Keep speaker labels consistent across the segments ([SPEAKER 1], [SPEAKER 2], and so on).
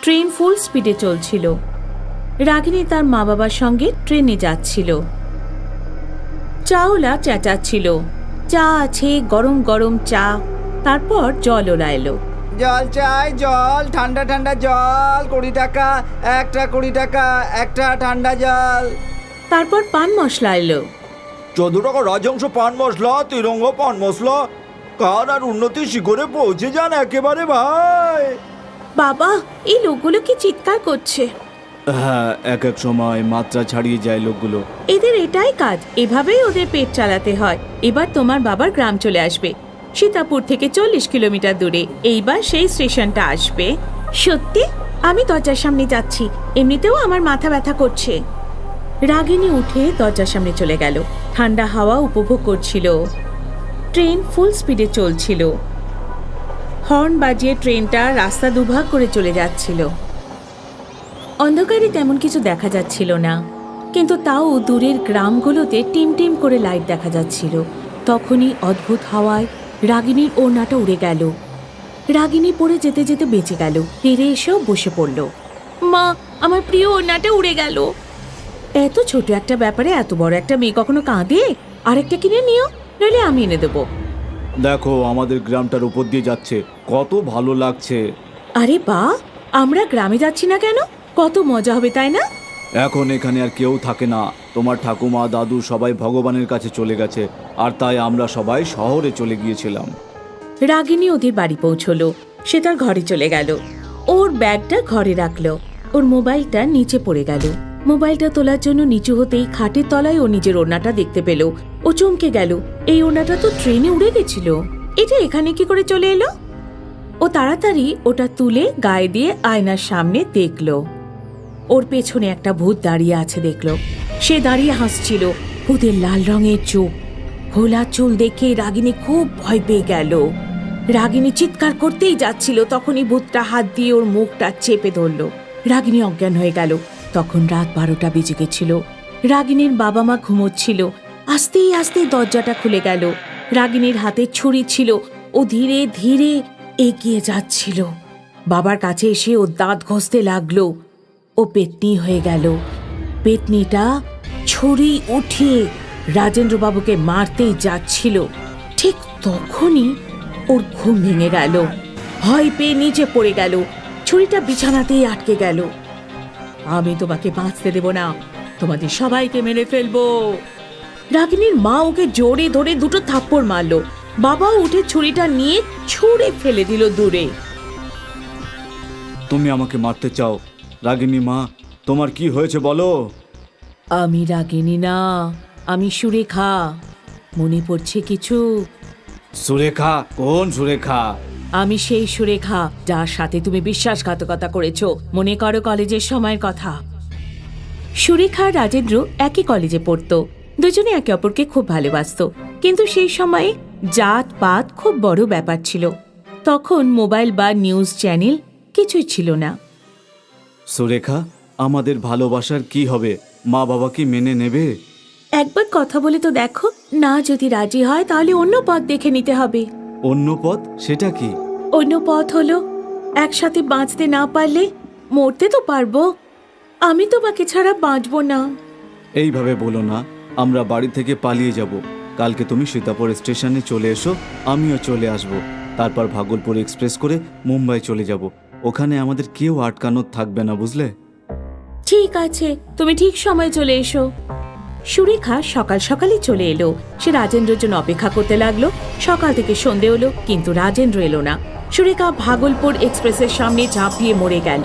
[SPEAKER 1] Train ফুল স্পিডে চলছিল। রাগিনী তার মা বাবার সঙ্গে ট্রেনে যাচ্ছিল। চাওলা চেঁচাচ্ছিল, চা আছে, গরম গরম চা। তারপর জলওলা এলো।
[SPEAKER 2] জল চাই, জল, ঠান্ডা ঠান্ডা জল, 20 টাকা একটা, 20 টাকা একটা ঠান্ডা জল।
[SPEAKER 1] তারপর পান মশলা এলো।
[SPEAKER 2] 14 টাকা রাজংশ পান মশলা, তিরঙ্গ পান মশলা। কার আর উন্নতির শিখরে পৌঁছে যান একেবারে ভাই।
[SPEAKER 1] বাবা, এই লোকগুলো কি চিৎকার করছে!
[SPEAKER 2] হ্যাঁ, এক এক সময় মাত্রা ছাড়িয়ে যায় লোকগুলো।
[SPEAKER 1] এদের এটাই কাজ, এভাবেই ওদের পেট চালাতে হয়। এবার তোমার বাবার গ্রাম চলে আসবে, সীতাপুর থেকে 40 কিলোমিটার দূরে। এইবার সেই স্টেশনটা আসবে। সত্যি? আমি দরজার সামনে যাচ্ছি, এমনিতেও আমার মাথা ব্যথা করছে। রাগিনী উঠে দরজার সামনে চলে গেল। ঠান্ডা হাওয়া উপভোগ করছিল। ট্রেন ফুল স্পিডে চলছিল। হর্ন বাজিয়ে ট্রেনটা রাস্তা দুভাগ করে চলে যাচ্ছিল। অন্ধকারে তেমন কিছু দেখা যাচ্ছিল না, কিন্তু তাও দূরের গ্রামগুলোতে টিম টিম করে লাইট দেখা যাচ্ছিল। তখনই অদ্ভুত হাওয়ায় রাগিনীর ওড়নাটা উড়ে গেল। রাগিনী পড়ে যেতে যেতে বেঁচে গেল। ফিরে এসেও বসে পড়ল। মা, আমার প্রিয় ওড়নাটা উড়ে গেল। এত ছোট একটা ব্যাপারে এত বড় একটা মেয়ে কখনো কাঁদে? আরেকটা কিনে নিও, নইলে আমি এনে দেবো।
[SPEAKER 2] দেখো, আমাদের গ্রামটার উপর দিয়ে যাচ্ছে, কত ভালো লাগছে।
[SPEAKER 1] আরে বাহ, আমরা গ্রামে যাচ্ছি না কেন? কত মজা হবে, তাই না?
[SPEAKER 2] এখন এখানে আর কেউ থাকে না, তোমার ঠাকুমা দাদু সবাই ভগবানের কাছে চলে গেছে, আর তাই আমরা সবাই শহরে চলে গিয়েছিলাম।
[SPEAKER 1] রাগিনী ওদের বাড়ি পৌঁছলো। সে তার ঘরে চলে গেল। ওর ব্যাগটা ঘরে রাখলো। ওর মোবাইলটা নিচে পড়ে গেল। মোবাইলটা তোলার জন্য নিচু হতেই খাটের তলায় ও নিজের ওড়নাটা দেখতে পেল। ও চমকে গেল, এই ওড়নাটা তো ট্রেনে উড়ে গেছিল। এটা এখানে কি করে চলে এলো? ও তাড়াতাড়ি ওটা তুলে গায়ে দিয়ে আয়নার সামনে দেখলো। ওর পেছনে একটা ভূত দাঁড়িয়ে আছে দেখলো। সে দাঁড়িয়ে হাসছিল। ভূতের লাল রঙের চোখ, ঘোলা চুল দেখে রাগিনী খুব ভয় পেয়ে গেল। রাগিনী চিৎকার করতেই যাচ্ছিল, তখনই ভূতটা হাত দিয়ে ওর মুখটা চেপে ধরল। রাগিনী অজ্ঞান হয়ে গেল। তখন রাত 12টা বেজে গেছিল। রাগিনীর বাবা মা ঘুমোচ্ছিল। আস্তেই আস্তে দরজাটা খুলে গেল। রাগিনীর হাতে ছুরি ছিল। ও ধীরে ধীরে এগিয়ে যাচ্ছিল। বাবার কাছে এসে ও দাঁত ঘষতে লাগলো। ও পেতনি হয়ে গেল। পেতনিটা ছুরি উঠিয়ে রাজেন্দ্রবাবুকে মারতেই যাচ্ছিল। ঠিক তখনই ওর ঘুম ভেঙে গেল। ভয় পেয়ে নিচে পড়ে গেল। ছুরিটা বিছানাতেই আটকে গেল। আমি তোমাকে বাঁচতে দেব না, তোমাদের সবাইকে মেরে ফেলবো। রাগিনীর মা ওকে জোরে ধরে 2টো থাপ্পড় মারলো। বাবাও উঠে ছুরিটা নিয়ে ছুঁড়ে ফেলে দিল দূরে।
[SPEAKER 2] তুমি আমাকে মারতে চাও? রাগিনী মা, তোমার কি হয়েছে বলো?
[SPEAKER 1] আমি রাগিনী না, আমি সুরেখা। মনে পড়ছে কিছু?
[SPEAKER 2] সুরেখা? কোন সুরেখা?
[SPEAKER 1] আমি সেই সুরেখা যার সাথে তুমি বিশ্বাসঘাতকতা করেছো। মনে করো কলেজের সময়ের কথা। সুরেখা আর রাজেন্দ্র একই কলেজে পড়তো। দুজনে একে অপরকে খুব ভালোবাসতো। কিন্তু সেই সময়ে জাত পাত খুব বড় ব্যাপার ছিল। তখন মোবাইল বা নিউজ চ্যানেল কিছুই ছিল না।
[SPEAKER 2] সুরেখা, আমাদের ভালোবাসার কি হবে? মা বাবা কি মেনে নেবে?
[SPEAKER 1] একবার কথা বলে তো দেখো, না যদি রাজি হয় তাহলে অন্য পথ দেখে নিতে হবে।
[SPEAKER 2] অন্য পথ? সেটা কি?
[SPEAKER 1] অন্য পথ হলো, একসাথে বাঁচতে না পারলে মরতে তো পারবো। আমি তোমাকে ছাড়া বাঁচবো না।
[SPEAKER 2] এইভাবে বলো না, আমরা বাড়ি থেকে পালিয়ে যাব। কালকে তুমি সীতাপুর স্টেশনে চলে এসো, আমিও চলে আসব। তারপর ভাগলপুর এক্সপ্রেস করে মুম্বাই চলে যাব। ওখানে আমাদের কেউ আটকানোর থাকবে না, বুঝলে?
[SPEAKER 1] ঠিক আছে, তুমি ঠিক সময় চলে এসো। সুরেখা সকাল সকালই চলে এলো। সে রাজেন্দ্রের জন্য অপেক্ষা করতে লাগলো। সকাল থেকে সন্ধে হলো, কিন্তু রাজেন্দ্র এলো না। সুরেখা ভাগলপুর এক্সপ্রেসের সামনে ঝাঁপিয়ে মরে গেল।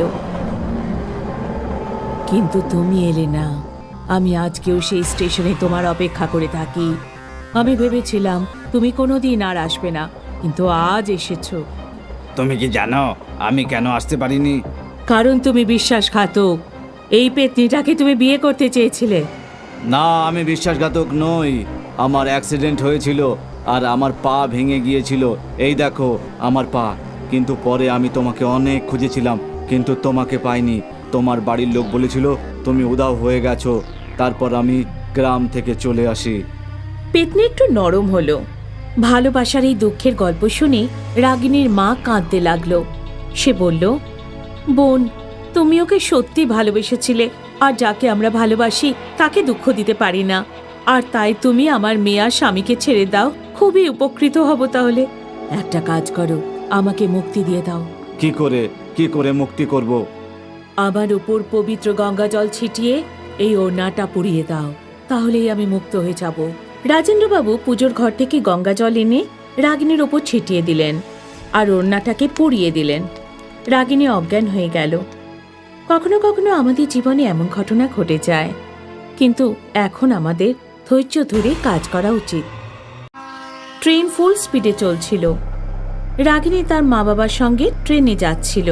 [SPEAKER 1] কিন্তু তুমি এলে না। আমি আজকেও সেই স্টেশনে তোমার অপেক্ষা করে থাকি। আমি ভেবেছিলাম তুমি কোনোদিন আর আসবে না, কিন্তু আজ এসেছো।
[SPEAKER 2] তুমি কি জানো আমি কেন আসতে পারিনি?
[SPEAKER 1] কারণ তুমি বিশ্বাসঘাতক। এই পেতনিটাকে তুমি বিয়ে করতে চেয়েছিলে।
[SPEAKER 2] না, আমি বিশ্বাসঘাতক নই। আমার অ্যাক্সিডেন্ট হয়েছিল আর আমার পা ভেঙে গিয়েছিল। এই দেখো আমার পা। কিন্তু পরে আমি তোমাকে অনেক খুঁজেছিলাম, কিন্তু তোমাকে পাইনি। তোমার বাড়ির লোক বলেছিল তুমি উধাও হয়ে গেছো। তারপর আমি গ্রাম থেকে চলে আসি।
[SPEAKER 1] পেতনি একটু নরম হলো। ভালোবাসার এই দুঃখের গল্প শুনে রাগিনীর মা কাঁদতে লাগলো। সে বলল, বোন, তুমি ওকে সত্যি ভালোবেসেছিলে, আর যাকে আমরা ভালোবাসি তাকে দুঃখ দিতে পারি না। আর তাই তুমি আমার মেয়ে আর স্বামীকে ছেড়ে দাও, খুবই উপকৃত হব। তাহলে একটা কাজ করো, আমাকে মুক্তি দিয়ে দাও।
[SPEAKER 2] কি করে মুক্তি করব?
[SPEAKER 1] আমার উপর পবিত্র গঙ্গা জল ছিটিয়ে এই ওড়নাটা পুড়িয়ে দাও, তাহলেই আমি মুক্ত হয়ে যাব। রাজেন্দ্রবাবু পুজোর ঘর থেকে গঙ্গা জল এনে রাগিনীর ওপর ছিটিয়ে দিলেন আর ওড়নাটাকে পুড়িয়ে দিলেন। রাগিনী অজ্ঞান হয়ে গেল। কখনো কখনো আমাদের জীবনে এমন ঘটনা ঘটে যায়, কিন্তু এখন আমাদের ধৈর্য ধরে কাজ করা উচিত। ট্রেন ফুল স্পিডে চলছিল। রাগিনী তার মা বাবার সঙ্গে ট্রেনে যাচ্ছিল।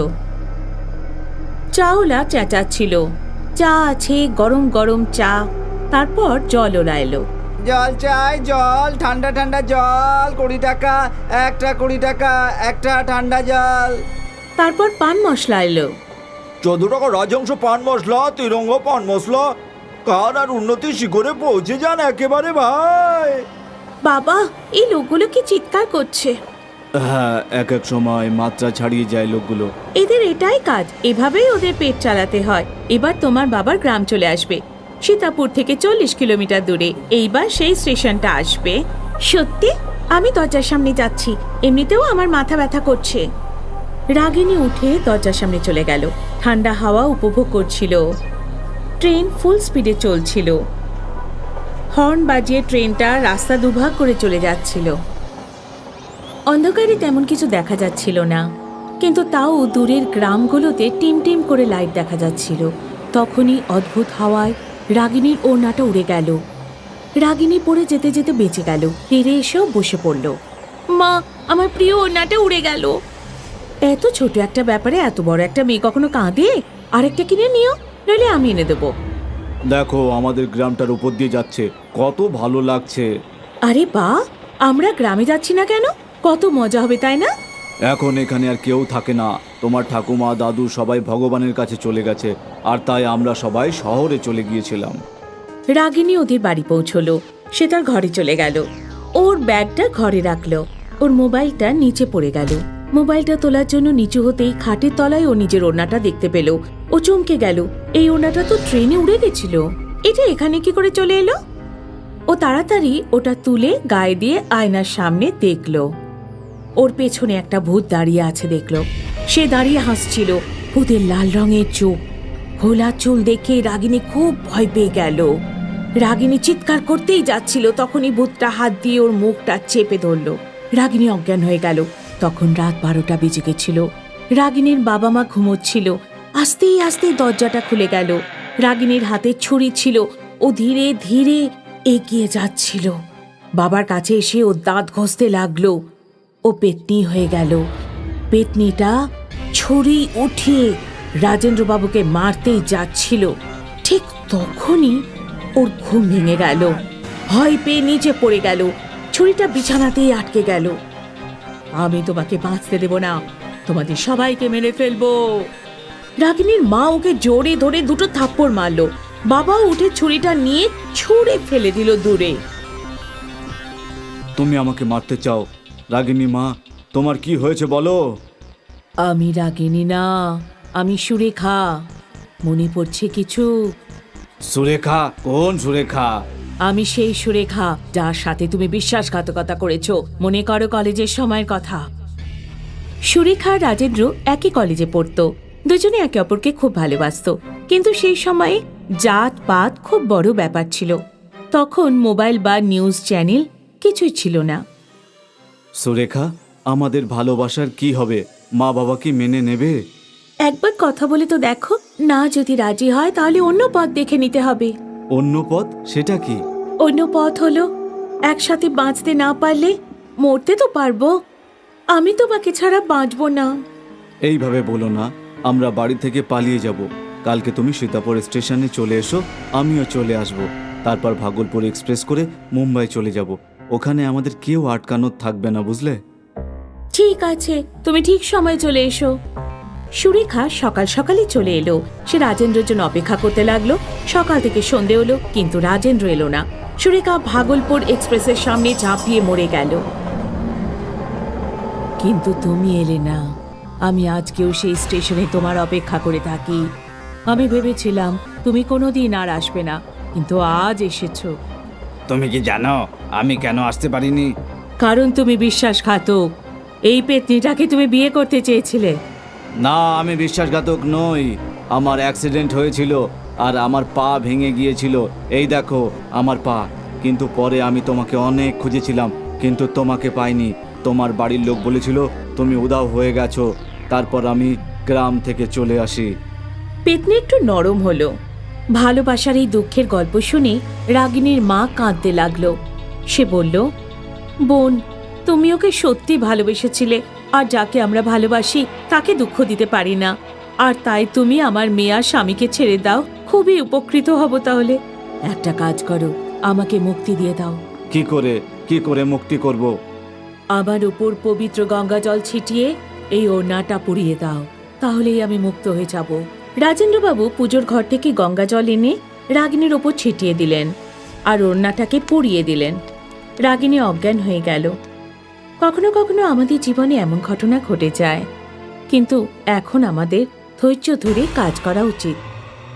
[SPEAKER 1] চাওলা চেঁচাচ্ছিল, চা আছে, গরম গরম চা। তারপর জলওলা এলো।
[SPEAKER 2] জল চাই, জল, ঠান্ডা ঠান্ডা জল, 20 টাকা, একটা 20 টাকা, একটা ঠান্ডা জল।
[SPEAKER 1] তারপর পান মশলা এলো।
[SPEAKER 2] 14 টাকা রাজংশ পান মশলা, তিরঙ্গ পান মশলা। কার আর উন্নতি শিখরে পৌঁছে যান একেবারে ভাই।
[SPEAKER 1] বাবা, এই লোকগুলো কি চিৎকার করছে!
[SPEAKER 2] হ্যাঁ, এক এক সময় মাত্রা ছাড়িয়ে যায় লোকগুলো।
[SPEAKER 1] এদের এটাই কাজ, এভাবেই ওদের পেট চালাতে হয়। এবার তোমার বাবার গ্রাম চলে আসবে, সীতাপুর থেকে 40 কিলোমিটার দূরে। এইবার সেই স্টেশনটা আসবে। সত্যি? আমি দরজার সামনে যাচ্ছি, এমনিতেও আমার মাথা ব্যথা করছে। রাগিনী উঠে দরজার সামনে চলে গেল। ঠান্ডা হাওয়া উপভোগ করছিল। ট্রেন ফুল স্পিডে চলছিল। হর্ন বাজিয়ে ট্রেনটা রাস্তা দুভাগ করে চলে যাচ্ছিল। অন্ধকারে তেমন কিছু দেখা যাচ্ছিল না, কিন্তু তাও দূরের গ্রামগুলোতে টিম টিম করে লাইট দেখা যাচ্ছিল। তখনই অদ্ভুত হাওয়ায় রাগিনীর ওড়নাটা উড়ে গেল। রাগিনী পড়ে যেতে যেতে বেঁচে গেল। ফিরে এসেও বসে পড়ল। মা, আমার প্রিয় ওড়নাটা উড়ে গেল। এত ছোট একটা ব্যাপারে এত বড় একটা মেয়ে কখনো কাঁদে? আরেকটা কিনে নিও, নইলে আমি এনে দেবো।
[SPEAKER 2] দেখো, আমাদের গ্রামটার উপর দিয়ে যাচ্ছে, কত ভালো লাগছে।
[SPEAKER 1] আরে বা, আমরা গ্রামে যাচ্ছি না কেন? কত মজা হবে, তাই না?
[SPEAKER 2] এখন এখানে আর কেউ থাকে না। তোমার ঠাকুমা, দাদু সবাই ভগবানের কাছে চলে গেছে, আর তাই আমরা সবাই শহরে চলে গিয়েছিলাম।
[SPEAKER 1] রাগিনী ওদের বাড়ি পৌঁছলো। সে তার ঘরে চলে গেল। ওর ব্যাগটা ঘরে রাখলো। ওর মোবাইলটা নিচে পড়ে গেল। মোবাইলটা তোলার জন্য নিচু হতেই খাটের তলায় ও নিজের ওড়নাটা দেখতে পেল। ও চমকে গেল। এই ওড়নাটা তো ট্রেনে উড়ে গেছিল। এটা এখানে কি করে চলে এলো? ও তাড়াতাড়ি ওটা তুলে গায়ে দিয়ে আয়নার সামনে দেখলো। ওর পেছনে একটা ভূত দাঁড়িয়ে আছে দেখলো। সে দাঁড়িয়ে হাসছিল। ভূতের লাল রঙের চোখ, ঘোলা চুল দেখে রাগিনী খুব ভয় পেয়ে গেল। রাগিনী চিৎকার করতেই যাচ্ছিল, তখনই ভূতটা হাত দিয়ে ওর মুখটা চেপে ধরল। রাগিনী অজ্ঞান হয়ে গেল। তখন রাত 12টা বেজে গেছিল। রাগিনীর বাবা মা ঘুমোচ্ছিল। আস্তে আস্তে দরজাটা খুলে গেল। রাগিনীর হাতে ছুরি ছিল। ও ধীরে ধীরে এগিয়ে যাচ্ছিল। বাবার কাছে এসে ও দাঁত ঘষতে লাগলো। ও পেতনি হয়ে গেল। পেতনিটা ছুরি উঠিয়ে রাজেন্দ্রবাবুকে মারতেই যাচ্ছিল। ঠিক তখনই ওর ঘুম ভেঙে গেল। ভয় পেয়ে নিচে পড়ে গেল। ছুরিটা বিছানাতেই আটকে গেল। আমি তোমাকে বাঁচতে দেব না, তোমাদের সবাইকে মেরে ফেলবো। রাগিনীর মা ওকে জোরে ধরে 2 থাপ্পড় মারলো। বাবাও উঠে ছুরিটা নিয়ে ছুঁড়ে ফেলে দিল দূরে।
[SPEAKER 2] তুমি আমাকে মারতে চাও? রাগিনী মা, তোমার কি হয়েছে বলো?
[SPEAKER 1] আমি রাগিনী না, আমি সুরেখা। মনে পড়ছে কিছু?
[SPEAKER 2] সুরেখা? কোন সুরেখা?
[SPEAKER 1] আমি সেই সুরেখা যার সাথে তুমি বিশ্বাসঘাতকতা করেছো। মনে করো কলেজের সময়ের কথা। সুরেখা আর রাজেন্দ্র একই কলেজে পড়তো। দুজনে একে অপরকে খুব ভালোবাসতো। কিন্তু সেই সময়ে জাত পাত খুব বড় ব্যাপার ছিল। তখন মোবাইল বা নিউজ চ্যানেল কিছুই ছিল না।
[SPEAKER 2] সুরেখা, আমাদের ভালোবাসার কি হবে? মা বাবা কি মেনে নেবে?
[SPEAKER 1] একবার কথা বলে তো দেখো না, যদি রাজি হয় তাহলে অন্য পথ দেখে নিতে হবে।
[SPEAKER 2] অন্য পথ? সেটা কি?
[SPEAKER 1] অন্য পথ হলো, একসাথে বাঁচতে না পারলে মরতে তো পারবো। আমি তোমাকে ছাড়া বাঁচবো না।
[SPEAKER 2] এইভাবে বলো না, আমরা বাড়ি থেকে পালিয়ে যাব। কালকে তুমি সীতাপুর স্টেশনে চলে এসো, আমিও চলে আসব। তারপর ভাগলপুর এক্সপ্রেস করে মুম্বাই চলে যাব। ওখানে আমাদের কেউ আটকানো থাকবে না, বুঝলে?
[SPEAKER 1] ঠিক আছে, তুমি ঠিক সময় চলে এসো। সুরেখা সকাল সকালই চলে এলো। সে রাজেন্দ্রের জন্য অপেক্ষা করতে লাগলো। সকাল থেকে সন্ধে হলো, কিন্তু রাজেন্দ্র এলো না। সুরেখা ভাগলপুর এক্সপ্রেসের সামনে ঝাঁপিয়ে মরে গেল। কিন্তু তুমি এলে না। আমি আজকেও সেই স্টেশনে তোমার অপেক্ষা করে থাকি। আমি ভেবেছিলাম তুমি কোনোদিন আর আসবে না, কিন্তু আজ এসেছো।
[SPEAKER 2] তুমি কি জানো আমি কেন আসতে পারিনি?
[SPEAKER 1] কারণ তুমি বিশ্বাসঘাতক। এই পেতনিটাকে তুমি বিয়ে করতে চেয়েছিলে।
[SPEAKER 2] না, আমি বিশ্বাসঘাতক নই। আমার অ্যাক্সিডেন্ট হয়েছিল আর আমার পা ভেঙে গিয়েছিল। এই দেখো আমার পা। কিন্তু পরে আমি তোমাকে অনেক খুঁজেছিলাম, কিন্তু তোমাকে পাইনি। তোমার বাড়ির লোক বলেছিল তুমি উধাও হয়ে গেছো। তারপর আমি গ্রাম থেকে চলে আসি।
[SPEAKER 1] পেতনি একটু নরম হলো। ভালোবাসার এই দুঃখের গল্প শুনে রাগিনীর মা কাঁদতে লাগলো। সে বলল, বোন, তুমি ওকে সত্যি ভালোবেসেছিলে, আর যাকে আমরা ভালোবাসি তাকে দুঃখ দিতে পারি না। আর তাই তুমি আমার মেয়ে আর স্বামীকে ছেড়ে দাও, খুবই উপকৃত হব। তাহলে একটা কাজ করো, আমাকে মুক্তি দিয়ে দাও।
[SPEAKER 2] কি করে মুক্তি করব?
[SPEAKER 1] আমার উপর পবিত্র গঙ্গা জল ছিটিয়ে এই ওড়নাটা পুড়িয়ে দাও, তাহলেই আমি মুক্ত হয়ে যাব। রাজেন্দ্রবাবু পুজোর ঘর থেকে গঙ্গা জল এনে রাগিনীর ওপর ছিটিয়ে দিলেন আর ওড়নাটাকে পুড়িয়ে দিলেন। রাগিনী অজ্ঞান হয়ে গেল। কখনো কখনো আমাদের জীবনে এমন ঘটনা ঘটে যায়, কিন্তু এখন আমাদের ধৈর্য ধরে কাজ করা উচিত।